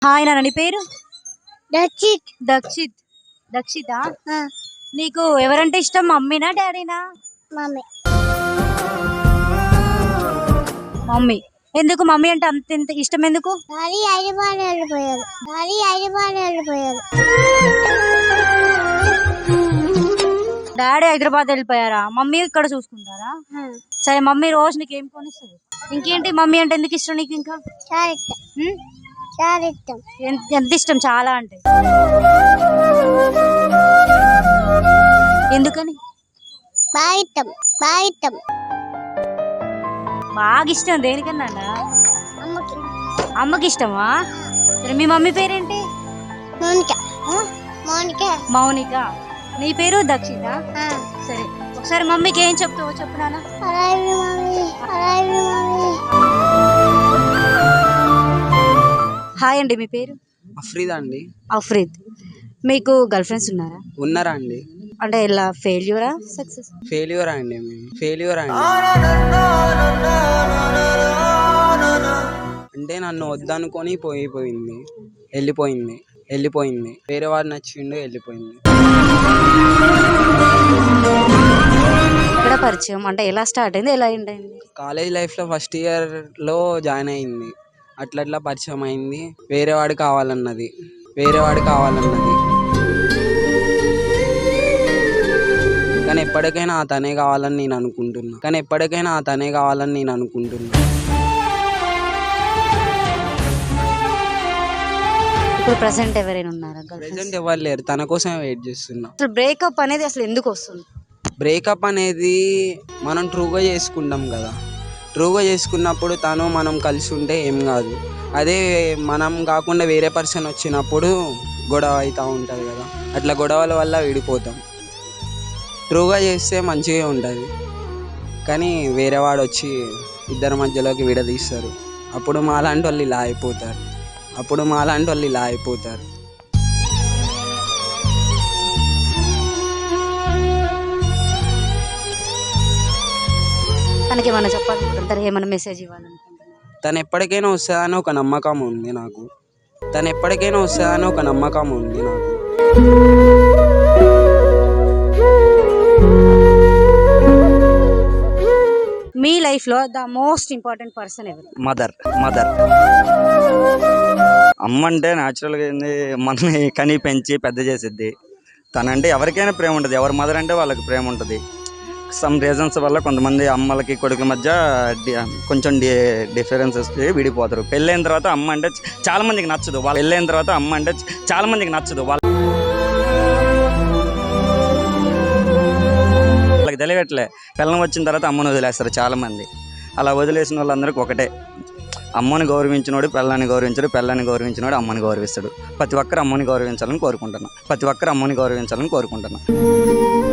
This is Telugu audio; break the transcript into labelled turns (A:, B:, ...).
A: హాయ్ నాన్న, నీ పేరు?
B: దక్షిత్.
A: దక్షిత్. దక్షితా, నీకు ఎవరంటే ఇష్టం, మమ్మీనా డాడీనా?
B: మమ్మీ.
A: మమ్మీ. ఎందుకు మమ్మీ అంటే అంత ఇంత ఇష్టం ఎందుకు?
B: డాడీ హైదరాబాద్ వెళ్ళిపోయారు.
A: డాడీ హైదరాబాద్ వెళ్ళిపోయారా? మమ్మీ ఇక్కడ చూసుకుంటారా? సరే, మమ్మీ రోజు నీకు ఏం కొనిస్తుంది? ఇంకేంటి మమ్మీ అంటే ఎందుకు ఇష్టం నీకు? ఇంకా
B: చాలా ఇష్టం. చాలా ఇష్టం.
A: ఎంత ఇష్టం? చాలా అంటే ఎందుకని?
B: బాగా ఇష్టం. బాగా ఇష్టం.
A: బాగా ఇష్టం దేనికన్నా?
B: అమ్మకి.
A: అమ్మకి ఇష్టమా? సరే, మీ మమ్మీ పేరేంటి?
B: మౌనిక. మౌనిక.
A: మౌనిక. నీ పేరు దక్షిత. సరే, ఒకసారి మమ్మీకి ఏం చెప్తావో చెప్పు నాన్న. హాయ్ అండి, మీ పేరు?
C: అఫ్రీద్ అండి.
A: అఫ్రీద్. మీకు గర్ల్ ఫ్రెండ్స్ ఉన్నారా?
C: ఉన్నారా అండి?
A: అంటే ఇలా ఫెయిల్యూరా సక్సెస్?
C: ఫెయిల్యూరా అండి. ఫెయిల్యూరా అండి. అంటే నన్ను వద్దనుకొని వెళ్ళిపోయింది. వేరే వాడు నచ్చిండు, వెళ్ళిపోయింది.
A: ఎక్కడ పరిచయం? అంటే ఎలా స్టార్ట్ అయింది, ఎలా ఎండ్ అయింది?
C: కాలేజ్ లైఫ్లో ఫస్ట్ ఇయర్లో జాయిన్ అయింది. అట్లా పరిచయం అయింది. వేరే వాడు కావాలన్నది. కానీ ఎప్పటికైనా ఆ తనే కావాలని నేను అనుకుంటున్నా.
A: ఇప్పుడు ప్రెసెంట్ ఎవరైనా ఉన్నారా?
C: ప్రెసెంట్ ఎవరు లేరు, తన కోసమే వెయిట్ చేస్తున్నా.
A: అసలు బ్రేకప్ అనేది అసలు ఎందుకు వస్తుంది?
C: బ్రేకప్ అనేది మనం ట్రూగా చేసుకుంటాం కదా. ట్రూగా చేసుకున్నప్పుడు మనం కలిసి ఉంటే ఏం కాదు. అదే మనం కాకుండా వేరే పర్సన్ వచ్చినప్పుడు గొడవ అవుతూ ఉంటుంది కదా. అట్లా గొడవల వల్ల విడిపోతాం. ట్రూగా చేస్తే మంచిగా ఉంటుంది, కానీ వేరే వాడు వచ్చి ఇద్దరి మధ్యలోకి విడదీస్తారు. అప్పుడు మాలాంటి వాళ్ళు ఇలా అయిపోతారు.
A: తనకి ఏమైనా చెప్పాలనుకుంటారు? ఏమైనా మెసేజ్ ఇవ్వాలనుకుంటున్నారు?
C: తను ఎప్పటికైనా వస్తుందని ఒక నమ్మకం ఉంది నాకు.
A: మీ లైఫ్ లో ద మోస్ట్ ఇంపార్టెంట్ పర్సన్ ఎవరు?
D: మదర్. అమ్మ అంటే న్యాచురల్గా ఏంది, మనని కని పెంచి పెద్ద చేసిద్ది. తనంటే ఎవరికైనా ప్రేమ ఉంటుంది. ఎవరి మదర్ అంటే వాళ్ళకి ప్రేమ ఉంటుంది. సమ్ రీజన్స్ వల్ల కొంతమంది అమ్మలకి కొడుకుల మధ్య కొంచెం డిఫరెన్సెస్ విడిపోతారు. పెళ్ళైన తర్వాత అమ్మ అంటే చాలా మందికి నచ్చదు. వాళ్ళకి తెలియట్లే. పిల్లం వచ్చిన తర్వాత అమ్మను వదిలేస్తారు చాలామంది. అలా వదిలేసిన వాళ్ళందరికీ ఒకటే, అమ్మని గౌరవించినోడు పిల్లాన్ని గౌరవించడు, పిల్లాన్ని గౌరవించినోడు అమ్మని గౌరవిస్తాడు. ప్రతి ఒక్కరు అమ్మని గౌరవించాలని కోరుకుంటున్నా.